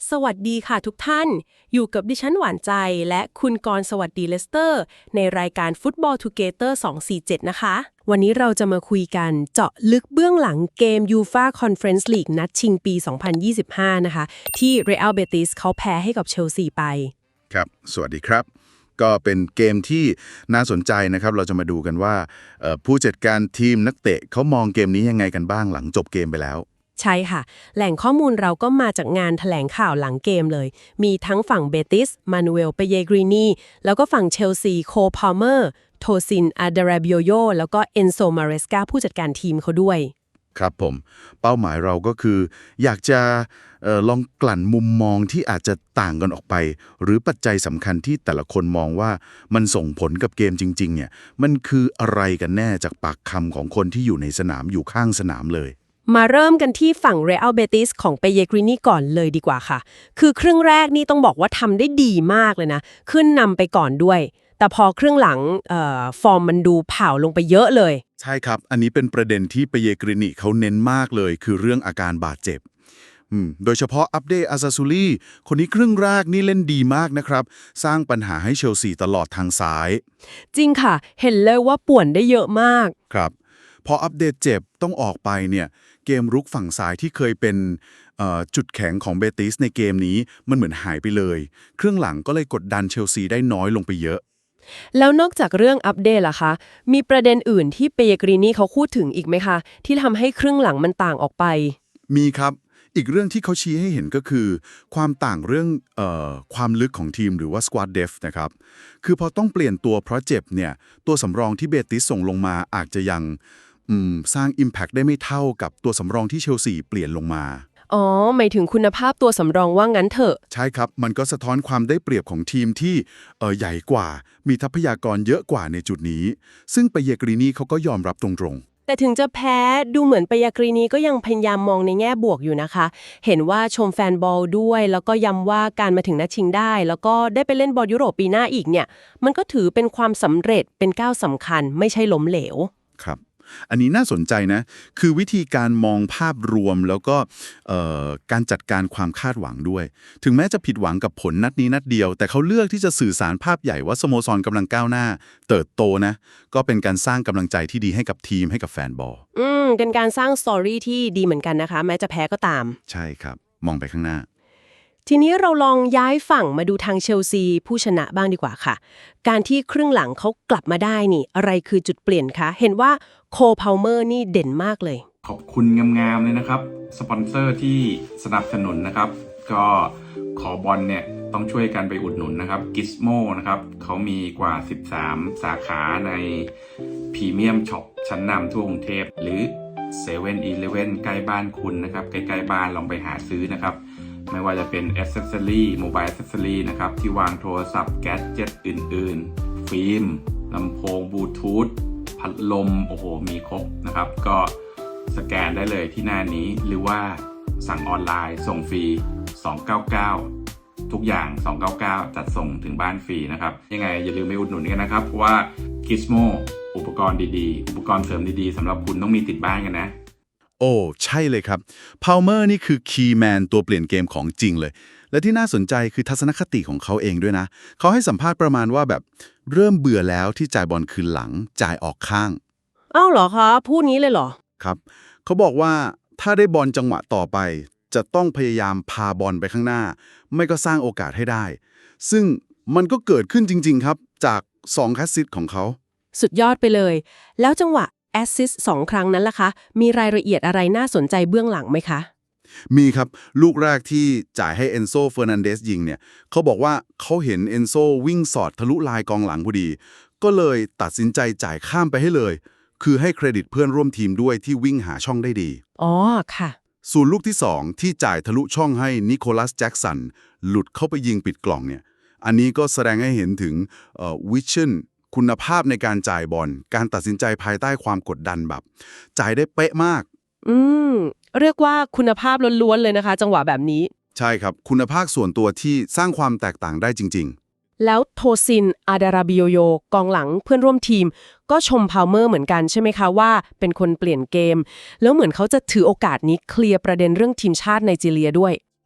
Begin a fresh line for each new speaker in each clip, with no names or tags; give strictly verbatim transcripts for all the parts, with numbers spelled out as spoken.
สวัสดีค่ะทุกท่าน อยู่กับดิฉันหวานใจและคุณกรณ์สวัสดีเลสเตอร์ในรายการ Football Together สอง สี่ เจ็ด นะคะ วันนี้เราจะมาคุยกันเจาะลึกเบื้องหลังเกม ยูฟ่า Conference League นัดชิงปี สองพันยี่สิบห้า นะคะ ที่ Real Betis เขาแพ้ให้กับเชลซีไป
ครับ สวัสดีครับ ก็เป็นเกมที่น่าสนใจนะครับ เราจะมาดูกันว่าเอ่อผู้จัดการทีมนักเตะเขามองเกมนี้ยังไงกันบ้างหลังจบเกมไปแล้ว
ใช่ค่ะ แหล่งข้อมูลเราก็มาจากงานแถลงข่าวหลังเกมเลย มีทั้งฝั่งเบติสมานูเอลเปเยกรีนีแล้วก็ฝั่งเชลซีโคพาลเมอร์โทซินอาดาราบิโยโยแล้วก็เอนโซมาเรสกาผู้จัดการทีมเขาด้วย
ครับผม เป้าหมายเราก็คือ อยากจะเอ่อลองกลั่นมุมมองที่อาจจะต่างกันออกไป หรือปัจจัยสำคัญที่แต่ละคนมองว่ามันส่งผลกับเกมจริงๆเนี่ยมันคืออะไรกันแน่จากปากคำของคนที่อยู่ในสนามอยู่ข้างสนามเลย
มาเริ่มกันที่ฝั่ง Real Betis ของเปเยกรีนีก่อนเลยดีกว่าค่ะ คือครึ่งแรกนี่ต้องบอกว่าทำได้ดีมากเลยนะ ขึ้นนำไปก่อนด้วย แต่พอครึ่งหลังเอ่อฟอร์มมันดูเผาลงไปเยอะเลย
ใช่ครับ อันนี้เป็นประเด็นที่เปเยกรินิเขาเน้นมากเลย คือเรื่องอาการบาดเจ็บอืมโดยเฉพาะอัปเดตอาซาซูลีคนนี้ครึ่งแรกนี่เล่นดีมากนะครับ สร้างปัญหาให้เชลซีตลอดทางซ้าย
จริงค่ะ เห็นเลยว่าป่วนได้เยอะมาก
ครับพออัปเดตเจ็บต้องออกไปเนี่ยเกมรุกฝั่งซ้ายที่เคยเป็นเอ่อจุดแข็งของเบติสในเกมนี้มันเหมือนหายไปเลยครึ่งหลังก็เลยกดดันเชลซีได้น้อยลงไปเยอะ
แล้วนอกจากเรื่องอัปเดตล่ะคะ มีประเด็นอื่นที่เปเยกรีนีเขาพูดถึงอีกไหมคะ ที่ทำให้ครึ่งหลังมันต่างออกไป
มีครับอีกเรื่องที่เขาชี้ให้เห็นก็คือ ความต่างเรื่องเอ่อความลึกของทีมหรือว่า squad depth นะครับคือพอต้องเปลี่ยนตัวเพราะเจ็บเนี่ยตัวสำรองที่เบติสส่งลงมาอาจจะยังอืมสร้าง Impact ได้ไม่เท่ากับตัวสำรองที่เชลซีเปลี่ยนลงมา
อ๋อ หมายถึงคุณภาพตัวสำรองว่างั้นเถอะ
ใช่ครับ มันก็สะท้อนความได้เปรียบของทีมที่เออใหญ่กว่า มีทรัพยากรเยอะกว่าในจุดนี้ ซึ่งเปเยกรีนีเขาก็ยอมรับตรงๆ
แต่ถึงจะแพ้ดูเหมือนเปยากรีนีก็ยังพยายามมองในแง่บวกอยู่นะคะ เห็นว่าชมแฟนบอลด้วย แล้วก็ย้ำว่าการมาถึงนัดชิงได้ แล้วก็ได้ไปเล่นบอลยุโรปปีหน้าอีกเนี่ย มันก็ถือเป็นความสำเร็จเป็นก้าวสำคัญไม่ใช่ล้มเหลว
ครับ อันนี้น่าสนใจนะ คือวิธีการมองภาพรวมแล้วก็เอ่อการจัดการความคาดหวังด้วย ถึงแม้จะผิดหวังกับผลนัดนี้นัดเดียว แต่เขาเลือกที่จะสื่อสารภาพใหญ่ว่าสโมสรกำลังก้าวหน้า เติบโตนะ ก็เป็นการสร้างกำลังใจที่ดีให้กับทีมให้กับแฟนบอล
อืมเป็นการสร้างสตอรี่ที่ดีเหมือนกันนะคะ แม้จะแพ้ก็ตาม
ใช่ครับ มองไปข้างหน้า
ทีนี้เราลองย้ายฝั่งมาดูทางเชลซีผู้ชนะบ้างดีกว่าค่ะ การที่ครึ่งหลังเขากลับมาได้นี่อะไรคือจุดเปลี่ยนคะเห็นว่าโคพาลเมอร์นี่เด่นมากเลย
ขอบคุณงามๆเลยนะครับสปอนเซอร์ที่สนับสนุนนะครับ ก็ขอบอลเนี่ยต้องช่วยกันไปอุดหนุนนะครับ Gizmo นะครับเขามีกว่าสิบสามสาขาในพรีเมียมช็อปชั้นนำทั่วกรุงเทพหรือ เซเว่น อีเลฟเว่น ใกล้บ้านคุณนะครับใกล้ๆบ้านลองไปหาซื้อนะครับไม่ว่าจะเป็นแอ c เซสซอรี่โมบายแอ c เซสซอรี่นะครับที่วางโทรศัพท์แกดเจ็ตอื่นๆ ฟิล์มลำโพงบลูทูธพัดลมโอ้โหมีครบนะครับก็สแกนได้เลยที่หน้านี้หรือว่าสั่งออนไลน์ส่งฟรีสองเก้าเก้าทุกอย่างสองเก้าเก้าจัดส่งถึงบ้านฟรีนะครับยังไงอย่าลืมไปอุดหนุนกันนะครับเพราะว่า Gizmo อุปกรณ์ดีๆอุปกรณ์เสริมดีๆสำหรับคุณต้องมีติดบ้านกันนะ
โอ้ใช่เลยครับพาลเมอร์นี่คือคีย์แมนตัวเปลี่ยนเกมของจริงเลย และที่น่าสนใจคือทัศนคติของเขาเองด้วยนะ เขาให้สัมภาษณ์ประมาณว่าแบบเริ่มเบื่อแล้วที่จ่ายบอลคืนหลังจ่ายออกข้าง
อ้าวเหรอคะพูดงี้เลยเหรอ
ครับเขาบอกว่าถ้าได้บอลจังหวะต่อไป จะต้องพยายามพาบอลไปข้างหน้า ไม่ก็สร้างโอกาสให้ได้ ซึ่งมันก็เกิดขึ้นจริงๆครับจากสองแคสซิตของเขา
สุดยอดไปเลย แล้วจังหวะแอสซิสต์สองครั้งนั้นล่ะคะ มีรายละเอียดอะไรน่าสนใจเบื้องหลังไหมคะ
มีครับลูกแรกที่จ่ายให้เอนโซเฟอร์นันเดสยิงเนี่ยเขาบอกว่าเขาเห็นเอนโซวิ่งสอดทะลุลายกองหลังพอดี ก็เลยตัดสินใจจ่ายข้ามไปให้เลย คือให้เครดิตเพื่อนร่วมทีมด้วยที่วิ่งหาช่องได้ดี
อ๋อค่ะ
ส่วนลูกที่สองที่จ่ายทะลุช่องให้นิโคลัสแจ็กสันหลุดเข้าไปยิงปิดกล่องเนี่ยอันนี้ก็แสดงให้เห็นถึงวิชั่นคุณภาพในการจ่ายบอลการตัดสินใจภายใต้ความกดดันแบบจ่ายได้เป๊ะมาก
อืมเรียกว่าคุณภาพล้วนๆเลยนะคะ จังหวะแบบนี้
ใช่ครับคุณภาพส่วนตัวที่สร้างความแตกต่างได้จริงๆ
แล้วโทซินอาดาราบิโยโยกองหลังเพื่อนร่วมทีม ก็ชมพาลเมอร์เหมือนกันใช่ไหมคะว่าเป็นคนเปลี่ยนเกม แล้วเหมือนเขาจะถือโอกาสนี้เคลียร์ประเด็นเรื่องทีมชาติไนจีเรียด้วย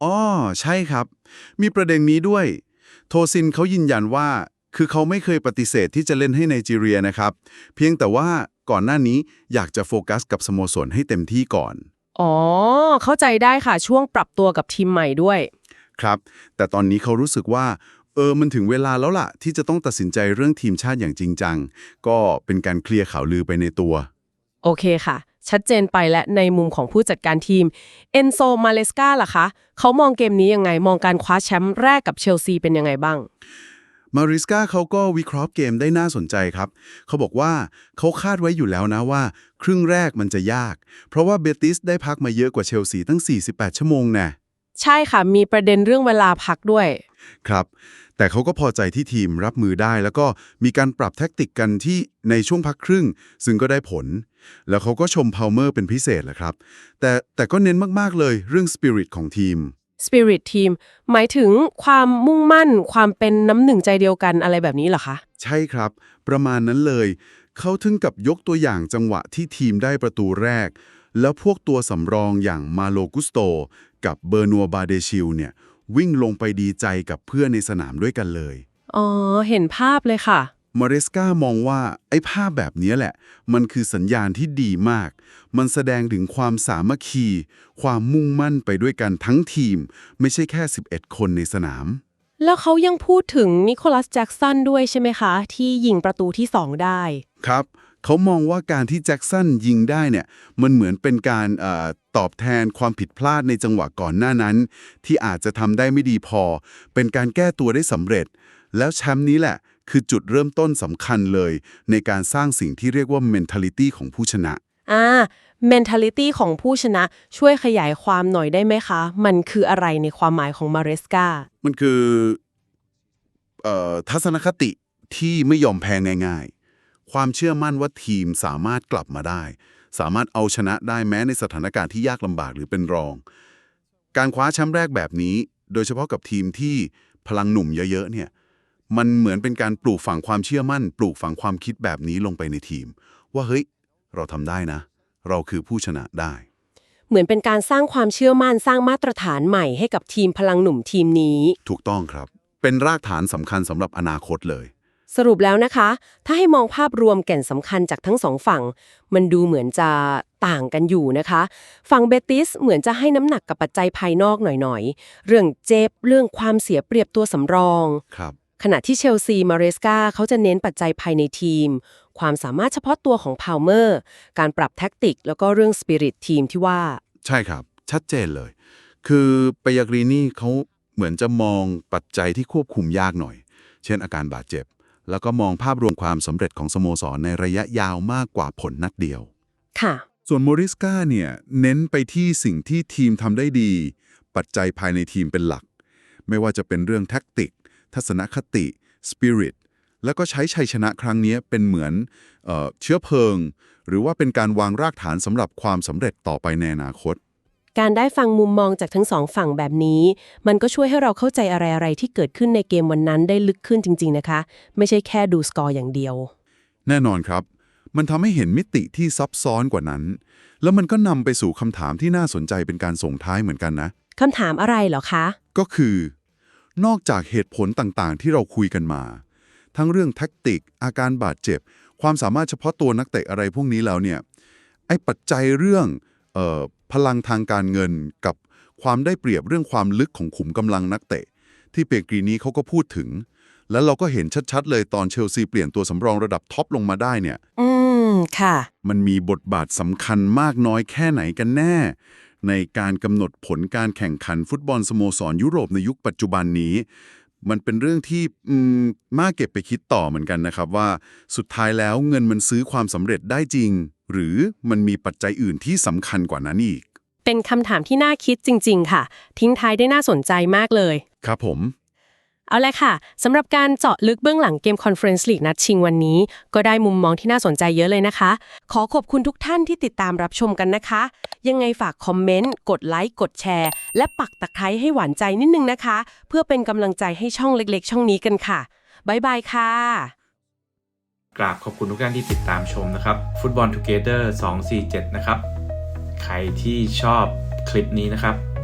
อ๋อใช่ครับ มีประเด็นนี้ด้วย โทซินเขายืนยันว่า คือเขาไม่เคยปฏิเสธที่จะเล่นให้ไนจีเรียนะครับ เพียงแต่ว่าก่อนหน้านี้อยากจะโฟกัสกับสโมสรให้เต็มที่ก่อน
อ๋อ เข้าใจได้ค่ะช่วงปรับตัวกับทีมใหม่ด้วย
ครับ แต่ตอนนี้เขารู้สึกว่า เออ มันถึงเวลาแล้วล่ะ ที่จะต้องตัดสินใจเรื่องทีมชาติอย่างจริงจัง ก็เป็นการเคลียร์ข่าวลือไปในตัว
โอเคค่ะ ชัดเจนไปและในมุมของผู้จัดการทีมเอนโซมาเลสกาล่ะคะเขามองเกมนี้ยังไงมองการคว้าแชมป์แรกกับเชลซีเป็นยังไงบ้าง
มาริสกาเขาก็วิเคราะห์เกมได้น่าสนใจครับ เขาบอกว่าเขาคาดไว้อยู่แล้วนะว่า ครึ่งแรกมันจะยาก เพราะว่าเบติสได้พักมาเยอะกว่าเชลซีตั้งสี่สิบแปดชั่วโมงแน่
ใช่ค่ะ มีประเด็นเรื่องเวลาพักด้วย
ครับ แต่เขาก็พอใจที่ทีมรับมือได้ แล้วก็มีการปรับแท็กติกกันที่ในช่วงพักครึ่ง ซึ่งก็ได้ผล แล้วเขาก็ชมพาวเมอร์เป็นพิเศษแหละครับ แต่แต่ก็เน้นมากๆเลยเรื่องสปิริตของทีม
Spirit Team หมายถึงความมุ่งมั่น ความเป็นน้ำหนึ่งใจเดียวกันอะไรแบบนี้เหรอคะ
ใช่ครับ ประมาณนั้นเลย เขาถึงกับยกตัวอย่างจังหวะที่ทีมได้ประตูแรก แล้วพวกตัวสำรองอย่างมาโลกุสโตกับเบอร์นัวบาเดชิลเนี่ยวิ่งลงไปดีใจกับเพื่อนในสนามด้วยกันเลย
อ๋อ เห็นภาพเลยค่ะ
มาเรสกามองว่าไอ้ภาพแบบนี้แหละ มันคือสัญญาณที่ดีมาก มันแสดงถึงความสามัคคี ความมุ่งมั่นไปด้วยกันทั้งทีม ไม่ใช่แค่สิบเอ็ดคนในสนาม
แล้วเขายังพูดถึงนิโคลัสแจ็กสันด้วยใช่ไหมคะ ที่ยิงประตูที่สองได้
ครับ เขามองว่าการที่แจ็คสันยิงได้เนี่ยมันเหมือนเป็นการเออตอบแทนความผิดพลาดในจังหวะก่อนหน้านั้น ที่อาจจะทำได้ไม่ดีพอ เป็นการแก้ตัวได้สำเร็จ แล้วแชมป์นี้แหละคือจุดเริ่มต้นสำคัญเลย ในการสร้างสิ่งที่เรียกว่า mentality ของผู้ชนะ
อ่า mentality ของผู้ชนะช่วยขยายความหน่อยได้ไหมคะ มันคืออะไรในความหมายของมาเรสกา
มันคือเอ่อทัศนคติที่ไม่ยอมแพ้ง่ายๆ ความเชื่อมั่นว่าทีมสามารถกลับมาได้ สามารถเอาชนะได้แม้ในสถานการณ์ที่ยากลำบากหรือเป็นรอง การคว้าแชมป์แรกแบบนี้ โดยเฉพาะกับทีมที่พลังหนุ่มเยอะๆเนี่ยมันเหมือนเป็นการปลูกฝังความเชื่อมั่น ปลูกฝังความคิดแบบนี้ลงไปในทีม ว่าเฮ้ยเราทำได้นะ เราคือผู้ชนะได้
เหมือนเป็นการสร้างความเชื่อมั่นสร้างมาตรฐานใหม่ให้กับทีมพลังหนุ่มทีมนี้
ถูกต้องครับ เป็นรากฐานสำคัญสำหรับอนาคตเลย
สรุปแล้วนะคะ ถ้าให้มองภาพรวมแก่นสำคัญจากทั้งสองฝั่ง มันดูเหมือนจะต่างกันอยู่นะคะ ฝั่งเบติสเหมือนจะให้น้ำหนักกับปัจจัยภายนอกหน่อยๆ เรื่องเจ็บ เรื่องความเสียเปรียบตัวสำรอง
ครับ
ขณะที่เชลซีมาเรสกาเขาจะเน้นปัจจัยภายในทีม ความสามารถเฉพาะตัวของพาวเมอร์ การปรับแท็กติก แล้วก็เรื่องสปิริตทีมที่ว่า
ใช่ครับ ชัดเจนเลย คือเปยากรีนี่เขาเหมือนจะมองปัจจัยที่ควบคุมยากหน่อย เช่นอาการบาดเจ็บ แล้วก็มองภาพรวมความสำเร็จของสโมสรในระยะยาวมากกว่าผลนัดเดียว
ค่ะ
ส่วนโมริสกาเนี่ยเน้นไปที่สิ่งที่ทีมทำได้ดี ปัจจัยภายในทีมเป็นหลัก ไม่ว่าจะเป็นเรื่องแท็กติก ทัศนคติสปิริตแล้วก็ใช้ชัยชนะครั้งนี้เป็นเหมือนเอ่อเชื้อเพลิง หรือว่าเป็นการวางรากฐานสำหรับความสำเร็จต่อไปในอนาคต
การได้ฟังมุมมองจากทั้งสองฝั่งแบบนี้ มันก็ช่วยให้เราเข้าใจอะไรๆที่เกิดขึ้นในเกมวันนั้นได้ลึกขึ้นจริงๆนะคะ ไม่ใช่แค่ดูสกอร์อย่างเดียว
แน่นอนครับ มันทำให้เห็นมิติที่ซับซ้อนกว่านั้น แล้วมันก็นำไปสู่คำถามที่น่าสนใจเป็นการส่งท้ายเหมือนกันนะ
คำถามอะไรเหรอคะ
ก็คือ นอกจากเหตุผลต่างๆ ที่เราคุยกันมา ทั้งเรื่องแท็กติก อาการบาดเจ็บ ความสามารถเฉพาะตัวนักเตะอะไรพวกนี้แล้วเนี่ย ไอ้ปัจจัยเรื่องเอ่อพลังทางการเงินกับความได้เปรียบเรื่องความลึกของขุมกำลังนักเตะ ที่เปกรีนี้เขาก็พูดถึง แล้วเราก็เห็นชัดๆ เลยตอนเชลซีเปลี่ยนตัวสำรองระดับท็อปลงมาได้เนี่ย
อืม ค่ะ
มันมีบทบาทสำคัญมากน้อยแค่ไหนกันแน่ ในการกำหนดผลการแข่งขันฟุตบอลสโมสรยุโรปในยุคปัจจุบันนี้ มันเป็นเรื่องที่อืมน่าเก็บไปคิดต่อเหมือนกันนะครับว่าสุดท้ายแล้วเงินมันซื้อความสำเร็จได้จริง หรือมันมีปัจจัยอื่นที่สำคัญกว่านั้นอีก
เป็นคำถามที่น่าคิดจริงๆ ค่ะ ทิ้งท้ายได้น่าสนใจมากเลย
ครับผม
เอาละค่ะสำหรับการเจาะลึกเบื้องหลังเกม Conference League นัดชิงวันนี้ ก็ได้มุมมองที่น่าสนใจเยอะเลยนะคะ ขอขอบคุณทุกท่านที่ติดตามรับชมกันนะคะ ยังไงฝากคอมเมนต์ กดไลค์ กดแชร์ และปักตะไคร้ให้หวานใจนิดนึงนะคะ เพื่อเป็นกำลังใจให้ช่องเล็กๆ ช่องนี้กันค่ะ บ๊ายบายค่ะ
กราบขอบคุณทุกท่านที่ติดตามชมนะครับ Football Together สองสี่เจ็ดนะครับ ใครที่ชอบคลิปนี้นะครับ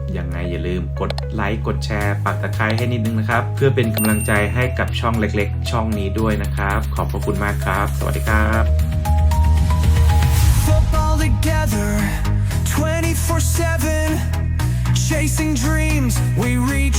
ยังไงอย่าลืมกดไลค์กดแชร์ปักตะไคร้ให้นิดนึงนะครับเพื่อเป็นกำลังใจให้กับช่องเล็กๆ ช่องนี้ด้วยนะครับขอบพระคุณมากครับสวัสดีครับ
Football together twenty-four seven chasing dreams we reach